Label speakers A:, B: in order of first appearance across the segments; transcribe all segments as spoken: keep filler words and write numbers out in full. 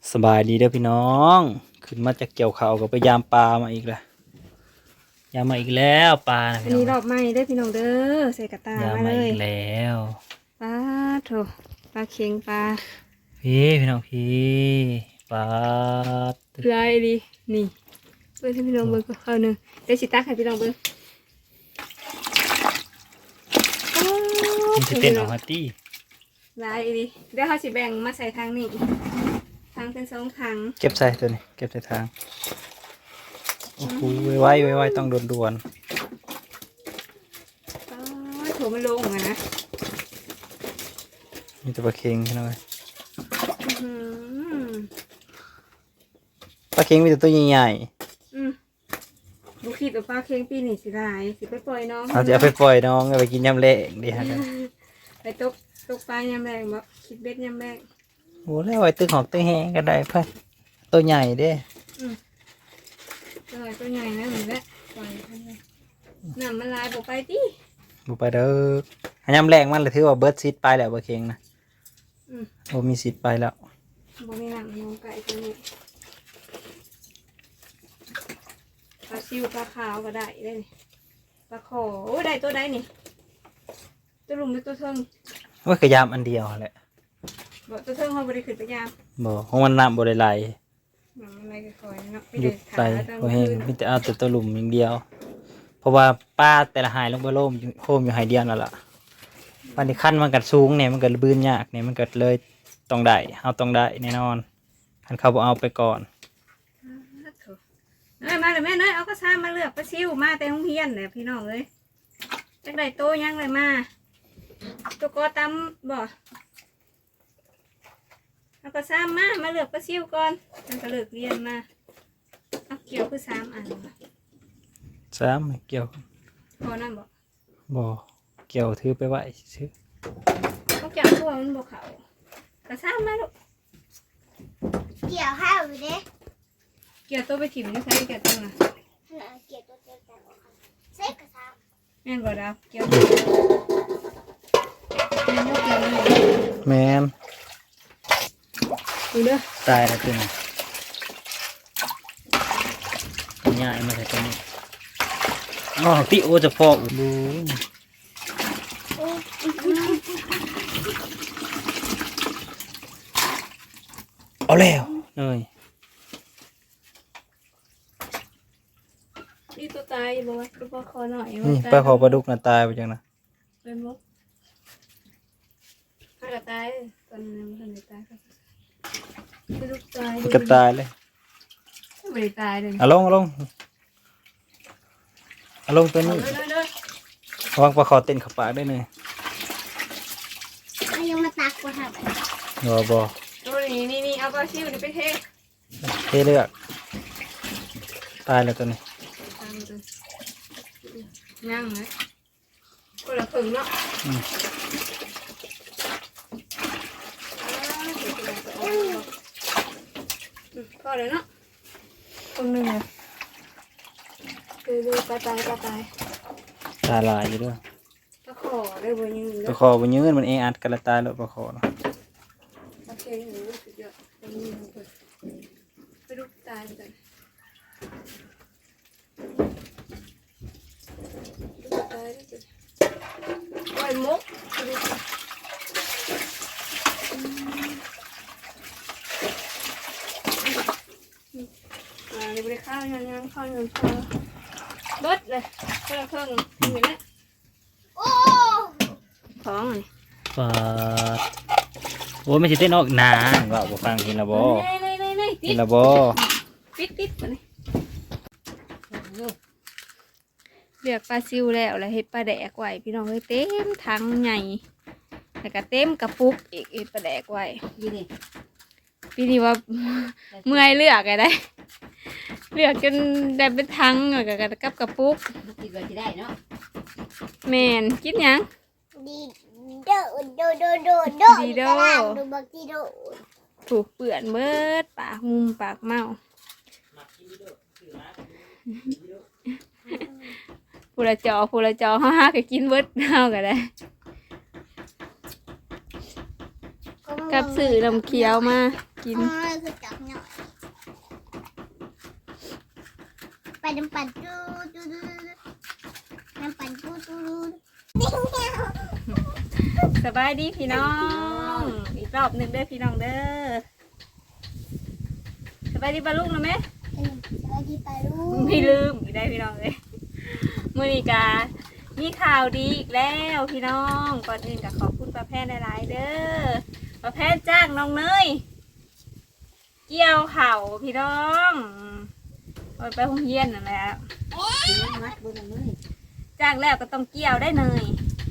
A: สบายดีเด้อพี่น้องขึ้นมาจากเกี่ยวเขาก็ไปยามปลามาอีกแล้วยามมาอีกแล้วปลา
B: อันนี้รอบใหม่ได้พี่น้องเด้อใส่กระตาย
A: าม
B: มา
A: มา
B: เล
A: อี
B: ย
A: กแล้ว
B: ปลาโถปลาเค็งปลา
A: พี่พี่น้องพี่ปลา
B: ลายดีนี่เบิ้งให้พี่น้องเบิ้งก็เอาหนึ่งเดี๋ยวสิตักให้พี่น้องเบิ้ง
A: มันจะเต้นออกมาตี้
B: ลายดีเดี๋ยวเขาสิแบ่งมาใส่ทางนี้ทางเป็นสองทาง
A: เก็บใส่ตัวนี้เก็บใส่ทางโอ้โหไว้ไว้ไว้ต้องด่วนด่วน
B: ปลาโถมันลงอะนะ
A: ๆมีแต่ปลาเค็งพี่น้องเอ้ย
B: อื้อหือ
A: ปลาเค็งมีแต่ตัวใหญ่
B: อืมบุคิดว่าปลาเค็งปีนี้สิลายสิไปปล่อยน้อง
A: ๆเอาจะเอาไปปล่อยน้องเอาไปกินยำเละดีฮะ
B: ไปตกตกปลายามแรงบ่คิดเบ็ดยามแรง
A: โอ้แล้วไว้ตึกหอกตึกแห้งก็ได้เพื่อนตัวใหญ่เด้
B: ตัวตัวใหญ่นะเหมือนแหละปล่อยมันเลยน้ำมันลายบอกไปดิ
A: บุไปเด้ออันยำแรงมันเลยถือว่าเบิร์ดซีดไปแล้วปลาเค็งนะ
B: อืม
A: โอ้มีซีดไปแล้ว
B: บอกมีน้ำมองไก่ตัวนี้ปลาซิวปลาขาวก็ได้ได้นี่ปลาขอโอ้ได้ตัวได้นี่ตัวลุมหรือตัวเทิง
A: ว่ากระยามอันเดียวแหละ
B: บอกตัวเทิงเขาบริขึ้นไปยาม
A: บ่ของมันน้ำบ่ได้ไหล
B: น้ำมันไหลค่อยๆเนาะไม่
A: หยุ
B: ได้
A: ดไหล
B: ขา
A: บ่แห้งมีแต่เอาแต่ตัวหลุมอย่างเดียว เพราะว่าป้าแต่ละหายลงไปโล่มอยู่โฮมอยู่หายเดียวนั่นล่ะปันที่ขั้นมันกัดสูงเนี่ยมันก็บืนยากเนี่ยมันก็เลยต้องได้เอาต้องได้แน่นอนคันเขาบ่เอาไปก่อน
B: เอ้ยมาเลยแม่เนยเอากระซ่ามาเลือกปลาซิวมาแต่ห้องเฮียนเลยพี่น้องเลยจักได้โตยังเลยมาตัวกอตำบ่เอากระซ่ามามาเลือกปลาซิวก่อนมันก็เลือกเรียนมาเอาเกี่ยวคือสามอันบ่
A: สามไม่เกี่ยว
B: พอนั่นบ่
A: บ่เกี่ยวถือไปไว้ซื้อ
B: เขาเกี่ยวตัวมันบ่เขากระซ่ามาลูก
C: เกี่ยวข้าวอยู่เด้
B: เกี่ยวตัวไปถิ่มนี่ใช้เกี่ยวตัวน่ะ
C: น่ะเกี่ยวตัวเดียวกันใส่กระซับ
B: แม่นบ่ดาวเกี่ยวตัวแม่นบ่เกี่ยวเลย
A: แม่น
B: ดูเด้อ
A: ตายแล้วตัวนี้ง่ายมาใส่ตัวนี้อ๋อติโอจะพออู้ดูเอาแล้วเอ้ย
B: นี่ตัวตายบ่วะตัวปลาคอหน่อย
A: นี่ปลาขอปลาดุกน่ะตายไปจังนะ
B: เป็นบ่ถ้ากระตายตอนนั้นมันได้ตายก็ไปลูกตาย
A: มันก็ตายเลย
B: ไม่ได้ตายเลย
A: เอาลงเอาลงเอาลงตัวนี้
B: เด้อเด้อ
A: ระวังปลาขอเต้นเขับปากได้เลย
C: เอายังมาตักกว่าครับ
A: บ่บ่
B: ตัวนี้นี่นี่เอาปลาชิวนี่ไปเท
A: เทเลือกตายแล้วตัวนี้
B: ตามเลยย่างเลยคนละผึ่งเนาะ
A: อืม
B: พอเลยเนาะคนหนึ่งเลยดูดูปลาตายปลาตาย
A: ตาลายอยู่ด้วย
B: ปลาขอได้บ่ยืน
A: ป
B: แล้
A: ลาว คอบนยืนมันเออัดกันละตายแล้วปลาคอเนาะ
B: ปลาเค็งหนูสุดยอดไปยืนเลยไปดูตายกันดูตายได้จ้ะปล่อยมุกดูอ่านี่บริข้าวยังยังข้าวยังข้าวเบิดเลยคนละครึ่งเห็นไหม
C: โอ้
B: ท้องเลย
A: ปลาโอ้ยไม่ใช่เต้นออกหนาว่าบ่ฟังเห็นและบ่
B: นี่นี่นี่นี่
A: เห็นและบ่
B: ปิดปิดมาเลยเรียกปลาซิวแล้วแล้วเฮ็ดปลาแดกไว้พี่น้องเฮ้ยเต็มถังใหญ่แล้วก็เต็มกระปุกอีกเฮ็ดปลาแดกไว้
C: ยี่นี่
B: ปีนี้ว่า เมื่อยเลือกไงได้ เลือกจนได้เป็นถังแล้วก็กับกระปุก
C: คิดว่าจะได้เนาะ
B: แม่นกินหยัง
C: ดีโดโดโดโดโด
B: ดีโด
C: ตารางดูบักดีโด
B: ถูกเปื่อนเบิดปากมุมปากเมาผู้ละจอผู้ละจอฮ่าฮ่าก็กินเบิดเฮาก็ได้
C: ก็
B: กับสื่อลำเคี้ยวมากิน
C: อ๋อคือจับหน่อยไปน้ำปั่นดูดูดูน้ำปั่นดูดูดู
B: สบายดีพี่น้องอีกรอบหนึ่งเด้อพี่น้องเด้อสบายดีปะลูกนะแม่
C: สวัสดีปาลู
B: ไม่ลืมอีกได้พี่น้องเลยมื้อนี้กามีข่าวดีอีกแล้วพี่น้องก่อนอื่นก็ขอบคุณป้าแพนหลายๆเด้อป้าแพนจ้างน้องเนยเกี่ยวเข่าพี่น้องเอาไปโรงเรียนนั่นแหละจ้างแล้วก็ต้องเกี่ยวได้เนย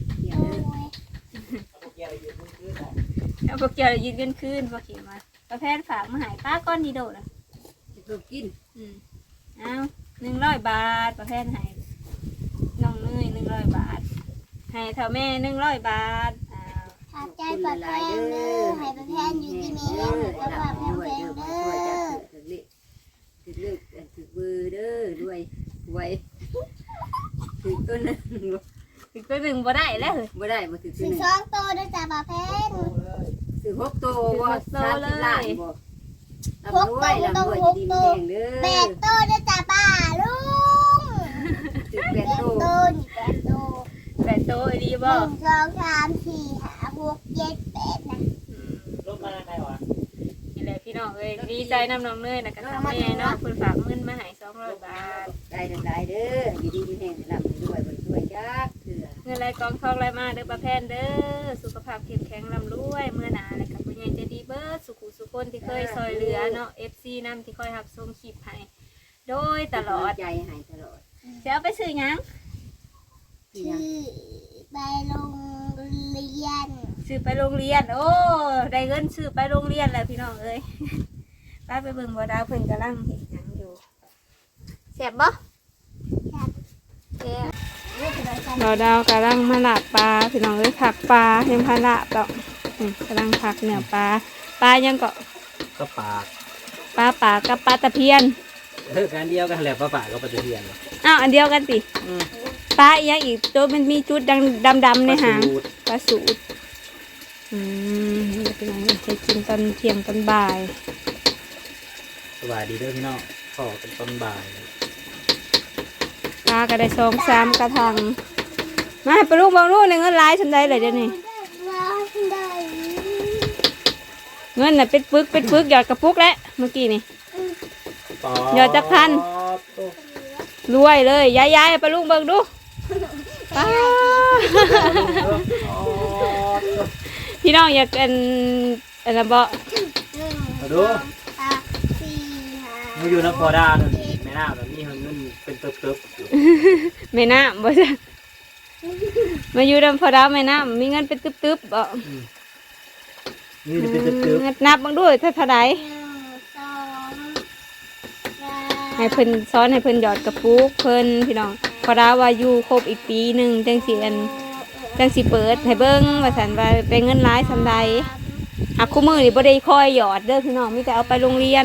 B: เอาพวกเกี่ยวยืนกันคืนพวกขี่มาป้าแพนฝากมาใหายป้าก้อนดีโดดอ่ะ
D: ลูกกิน
B: อืมเอาหนึ่งร้อยบาทประเภทให้น้องเนยหนึ่งร้อยบาทให้เท่าแม่หนึ่งร้อยบาทอ้าว
C: ขอบใจปลาแพนเด้อให้ปลาแพนอยู่ที่มีเงินหรือปลาแพนแพนเด้อ
D: ถึงเลือกถึงเลือกถึงมือเด้อด้วยไว้ถึงต้นนึง
B: ถึงตัวหนึ่งบ่ได้แล้วเลย
D: บ่ได้บ่ถึง
C: สิ
D: ต้นนึง
C: สองโตด้วยจ้าปลาแพน
D: ถึงหกโตบ่สามสิบล้านบ่
C: หกโตไม่ต้องหกโตแปดโตด้วยจ้าป้าลุง
D: ถึงแป
C: แป
D: ด
C: ด
D: โต
C: โตนี่แปดโต
B: แต่โตไอ้ดี
C: ห
B: บ่
C: นึ่งสองสามสี่ห้าหกเจ็ดแปดนะ
B: อืม
A: ลบมาได้วะ
B: นี่แหละพี่น้องเอ้ยดีใจน้ำน้องเนยนะก็ทำแม่เนาะคุณฝากเงินมาให้สองร้อยบาท
D: ได้ทั้งหลายเด้ออยู่ดีมีแห่งหลับด้วยบ่ช่วยจักเถื่อ
B: เงินไรกองทองไรมาเด้อประแพนเด้อสุขภาพเข้มแข็งร่ำรวยเมื่อหนาและกับผู้ใหญ่ใจดีเบิร์ดสุขุสุคนที่เคยซอยเหลือเนาะเอฟซีนำที่คอยหับชมคลิปให้โดยตลอด
D: ใจหายตลอด
B: จะเอาไปซื้อหยัง
C: ชื่อไปโรงเรียน
B: ซื้อไปโรงเรียน โอ้ได้เงินซื้อไปโรงเรียนแล้วพี่น้องเอ้ย ป้าไปเบิ่งบ่ดาวเพิ่นกำลังเห็นหยังอยู่แซ่บบ่แซ่บบ่ดาวกำลังมาลาบปลาพี่น้องเอ้ยผักปลายังพาลาบดอกอืมกำลังผักเนื้อปลาปลายังก็
A: ก็ปาก
B: ปลาปากกับปลาตะเพียน
A: เออการเดียวกันแหละป้าป่าก็ปฏิเทียน
B: อ้าวอันเดียวกันสิปลาอีกอย่างอีกตัวมันมีจุดดำดำๆในหางปลาสูตรอืมนี่เป็นยังไงจะกินตอนเที่ยงตอนบ่าย
A: สวัสดีเด้อพี่น้องขอเป็นต้นบ่าย
B: ปลาก็ได้สองสามกระทังมาให้ปลาลูกบางลูกในเงินหลายฉันได้เลยเดี๋ยวนี้
C: ว่าได้
B: เงินน่ะเป็นปึกเป็นปึกหยอดกระปุกแล้วเมื่อกี้นี่
A: ปอ
B: เดี๋ยวจะพัน รวยเลยย้ายย้ายๆให้ปลาลูกเบิ่งดูป้าพี่น้องอยากกันอะไรบ่
C: หนึ่ง
A: มา
C: ส
A: ดู
C: องสามสี่ห้า
A: มาอยู่น้ำพอดาเนี่ยแม่น้ำแบบนี้เงินเป็นเติบเติบ
B: แม่น้ำบ่จ้ะมาอยู่ดำพอดาวแม่น้ำมีเงินเป็นตึบๆบ่
A: นี่เป็นเติบเติบ
B: งัดนับบังด้วยถ้าเท่าใด
C: หนึ่งสองสาม
B: ให้เพิ่นสอนให้เพิ่นหยอดกระปุกเพิ่นพี่น้องพอดาวว่าอยู่ครบอีกปีหนึงจังสิอันจังสิเปิดให้เบิ่งว่าซั่นว่าได้เงินหลายซำใดหักคู่มือนี่บ่ได้คอยหยอดเด้อพี่น้องมีแต่เอาไปโรงเรียน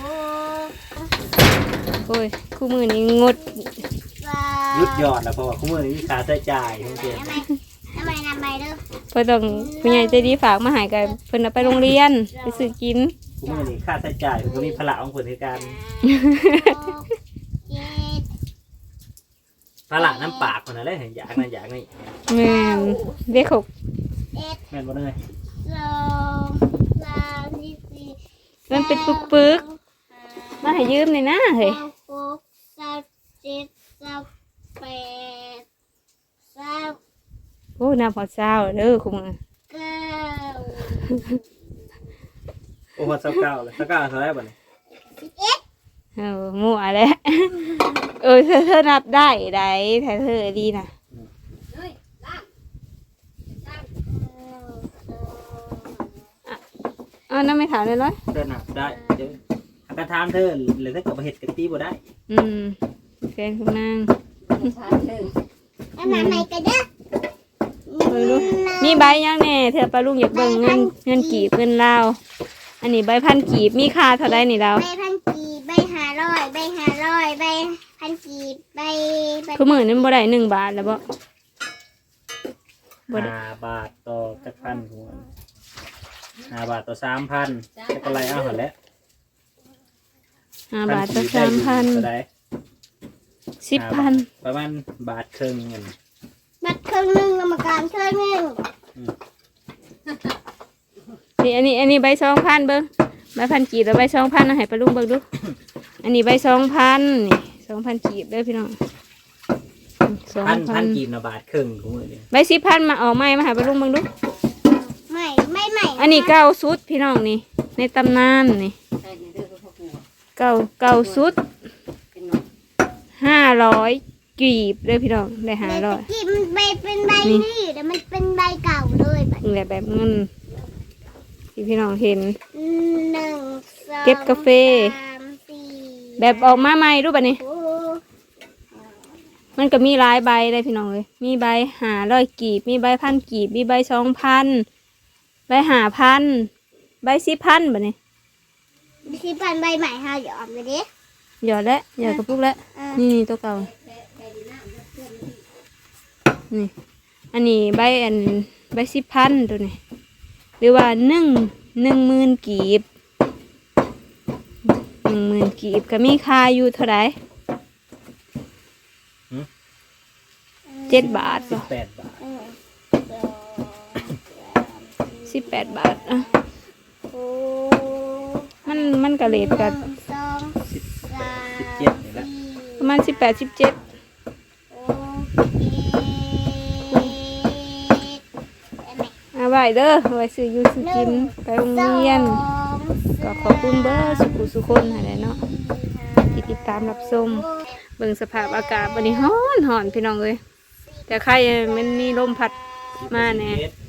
C: หก
B: โอ้ยคู่มือนี่งด
C: สาม
A: ยุดยอดแล้วเพราะว่าคุ้มเงินมีค่าใช้จ่ายทั้งเดือน
C: ทำไมทำไมทำไมเด้อ
B: เพิ่นต้องผู้ใหญ่ใจดีฝากมาให้กันเพิ่นเอาไปโรงเรียนไปซื้อกิน
A: คุ้มเงินมีค่าใช้จ่ายมันมีพละของคนในการ
C: หกเจ็ด
A: พละน้ำปากคนนั้นเลยอยากนั่นอยากนี่
B: แม่นเด็กหก
C: เอ็ด
A: แม่นบ่เลย
C: สองสามสี่สี่
B: มันเป็นปึกๆมาให้ยืมหน่อยนะเฮ้ย
C: สามหกสามเจ็ดสามแปดสาม
B: โอ้น้าพอเช้าเด้อคุณมือ
C: เก้า
A: โอ้โหสักเก้าเลยสักเก้าเท่าไหร่บ่เนี่ย
C: สิบเอ็ด
B: เออมั่วแล้ว เออเธอเธอนับได้ได้แต่เธอดีนะ
D: เฮ้ยล้าง
B: อ๋อนั่นไม่ถามเลยร้อย
A: เดินหนักได้เดี๋ยวกระทำเธอหรือถ้าเกิดมาเห็ดกะตีบ่ได้
B: อืมแฟนคุณนาง
D: ทานเด้อ
C: แล้วมาใหม่กันเด้อ
B: เบิ่งดูมีใบยังแน่เธอปลาลุงอยากเบิ่งเงินเงินกีบเงินลาวอันนี้ใบพันกีบมีค่าเท่าไรนี่เรา
C: ใบพันกีบใบห้าร้อยใบห้าร้อยใบพันกีบใบใบ
B: คือมือนั้นบ่ได้หนึ่งบาทแล้วบ่บ่ได้
A: ห้าบาทต่อจักพันหัวห้าบาทต่อสามพันจะกำไรเอาหันแล้ว
B: ห้าบาทต่อสามพัน
A: เท่าใด
B: สิบพัน
A: ประมาณบาทครึ่งเงิน
C: บัตรครึ่งหนึ่งกรรมการช่วยหนึ่ง
B: นี่อันนี้อันนี้ใบสองพันเบิ้งใบพันกีบแล้วใบสองพันเอาให้ปลาลุงเบิ้งดู อันนี้ใบสองพันนี่สองพันกีบเด้อพี่น้องสอง
A: พัน
B: พั
A: พั
B: น
A: นกีบนะบาทครึ่งของมือเนี่ย
B: ใบสิบพันมาออกใหม่มาให้ปลาลุงเบิ้งดู
C: ไม่ไม่ใหม่
B: อันนี้เก้าสุดพี่น้องนี่ในตำนานนี่
D: ใช่เนี่ยเด้อพ่อปู่
B: เก้าเก้าสุด
D: เป็นหน่อย
B: ห้าร้อยกีบเด้อพี่น้องได้ห้าร้อย
C: กีบมันใบเป็นใบ
B: นี่
C: นี่แต่มันเป็นใบเก่าเลยบัด
B: นี่แหละแบบเงินที่พี่น้องเห็น
C: หนึ่งสอง
B: เก็บกาแฟ
C: สามสี่
B: แบบออกมาใหม่รูปแบบนี้
C: โอ้
B: มันก็มีหลายใบเลยพี่น้องเลยมีใบหาร้อยกีบ มีใบพันกีบ มีใบสองพันใบหาพันใบสิบพันแบบนี้
C: สิพันใบใหม่ฮะหยอดไปดิ
B: หยอดแล้วหยอดกระปุกแล้ว
C: อ่า
B: นี่นี่ตัวเก่านี่อันนี้ใบอันใบสิบพันตัวนี้หรือว่าหนึ่งหนึ่งหมื่นกีบหนึ่งหมื่นกีบก็มีค่าอยู่เท่าไหร่เจ็ดบาท
A: สิ
B: บ่
A: บแปดบาท
C: หนึ่งสองสาม
B: สิบแปดบาทอ่ะ
C: โอ้
B: มันมันกระเลดกัน
C: หนึ่งสองสาม
A: สิบเจ็ดนี่แหละ
B: ประมาณสิบแปดสิบเจ็ด
C: โอเคได้ไหม
B: เอาไว้เด้อเอาไว้ซื้ออยู่ซื้อกินไปโรงเรียน ก็ขอบคุณเบอร์สุขุสุคนอะไรเนาะที่ติดตามรับชมเบิ่งสภาพอากาศวันนี้ร้อนหอนพี่น้องเลยแต่ใครมันมีลมพัดมาแน่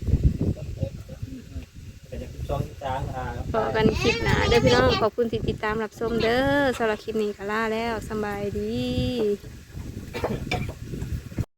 A: เป็นสิบสองสิบสามอ่า
B: พอกันคลิปหนาเด้อพี่น้องขอบคุณที่ติดตามรับชมเด้อสำหรับคลิปนี้ก็ลาแล้วสำบายดี